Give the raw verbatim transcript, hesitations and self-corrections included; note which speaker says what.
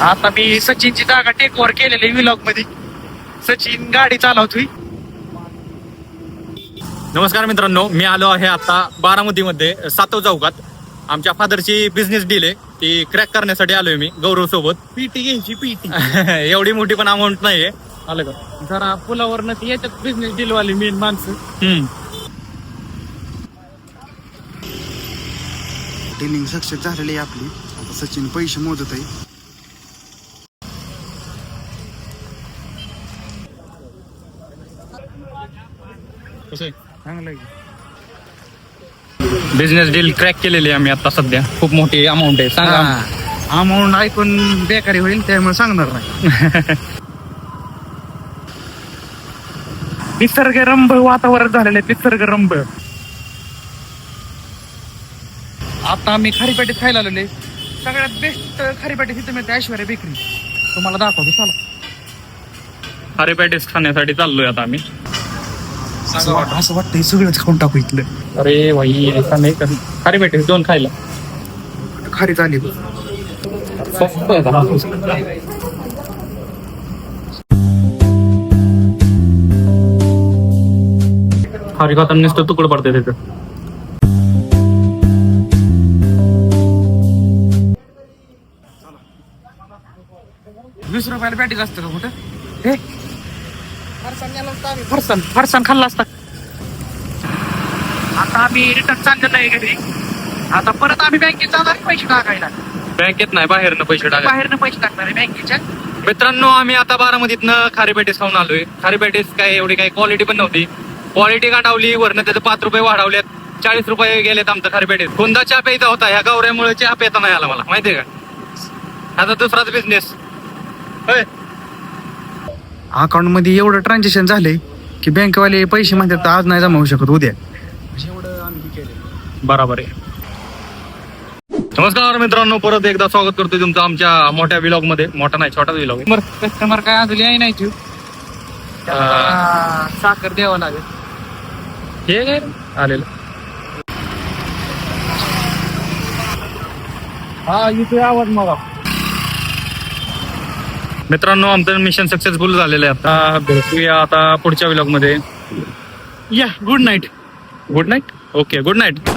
Speaker 1: आता मी सचिनची जागा take over केलेली व्लॉग मध्ये. सचिन गाडी चालवतोय.
Speaker 2: नमस्कार मित्रांनो, मी आलो आहे आता बारामतीमध्ये सातव चौकात. आमच्या फादरची बिझनेस डील आहे, ती क्रॅक करण्यासाठी आलोय मी गौरव सोबत.
Speaker 1: पीटी घ्यायची पीटी.
Speaker 2: एवढी मोठी पण अमाऊंट नाहीये. आलं का
Speaker 1: जरा पुलावरनं ती याच्यात बिझनेस डील वाली मेन माणसं.
Speaker 2: हम्म
Speaker 3: डीलिंग सक्सेस झालेली आहे आपली. आता सचिन पैसे मोजत आहे.
Speaker 1: चांगलं आहे.
Speaker 2: बिझनेस डील क्रॅक केलेली आहे आम्ही आता सध्या. खूप मोठी अमाऊंट आहे. सांगा.
Speaker 1: अमाऊंट ऐकून बेकारी होईल त्यामुळे सांगणार नाही. निसर्गरम्य वातावरण झालेलं आहे. निसर्गरम्य. आता आम्ही खारीपेटीत खायला आलेले. सगळ्यात बेस्ट खारीपेटी तिथे मिळते ऐश्वर्या बेकरी. तुम्हाला दाखवतो चला.
Speaker 2: खारी पॅटीस खाण्यासाठी चाललोय आता आम्ही.
Speaker 1: असं वाटतं असं वाटतं सगळंच खाऊन टाकू इथलं.
Speaker 2: अरे भाई ऐसा नाही कर. खारी पॅटीस दोन खायला
Speaker 1: खारी चाली.
Speaker 2: स्वस्त आहे का? खारी खाताना नुसतं तुकडं पडते त्याचं.
Speaker 1: वीस रुपयाला पॅटीस असतं का कुठं? हे फरसान फरसान खाल्ला असता. आता आम्ही रिटर्न चाललेलो आहे घरी. आता परत आम्ही बँकेत जाणार आहे पैसे टाकायला.
Speaker 2: बँकेत नाही, बाहेरनं पैसे टाका.
Speaker 1: बाहेरनं पैसे टाकणार आहे बँकेच्या.
Speaker 2: मित्रांनो, आम्ही आता बारामतीतनं खारी पॅटीस खाऊन आलोय. खारी पॅटीस काय एवढी काही क्वालिटी पण नव्हती. क्वालिटी गाठावली, वरनं त्याचे पाच रुपये वाढवलेत. चाळीस रुपये गेलेत आमचं खारी पॅटीस. कोणता चहा प्यायचा होता, ह्या गौऱ्यामुळे चहा प्यायचा नाही आला मला, माहितीये का. आता दुसराच बिझनेस.
Speaker 3: अकाउंट मध्ये एवढं ट्रान्झॅक्शन झालंय की बँकवाले पैसे म्हणतात आज नाही जमा होऊ शकत, उद्या. एवढं आम्ही केलं.
Speaker 2: बरोबर आहे. नमस्कार मित्रांनो, परत एकदा स्वागत करतोय तुमचं आमच्या मोठ्या व्लॉग मध्ये. मोठा नाही, छोटा व्लॉग आहे.
Speaker 1: कस्टमर काय अजून याय नाही तू. साखर द्यावं लागेल.
Speaker 2: हे काय आलेलं.
Speaker 1: हा इथे आवाज मला.
Speaker 2: मित्रांनो, आमचं मिशन सक्सेसफुल झालेलं आहे. आता भेटूया आता पुढच्या व्लॉग मध्ये.
Speaker 1: या good night.
Speaker 2: Good night. Okay, good night.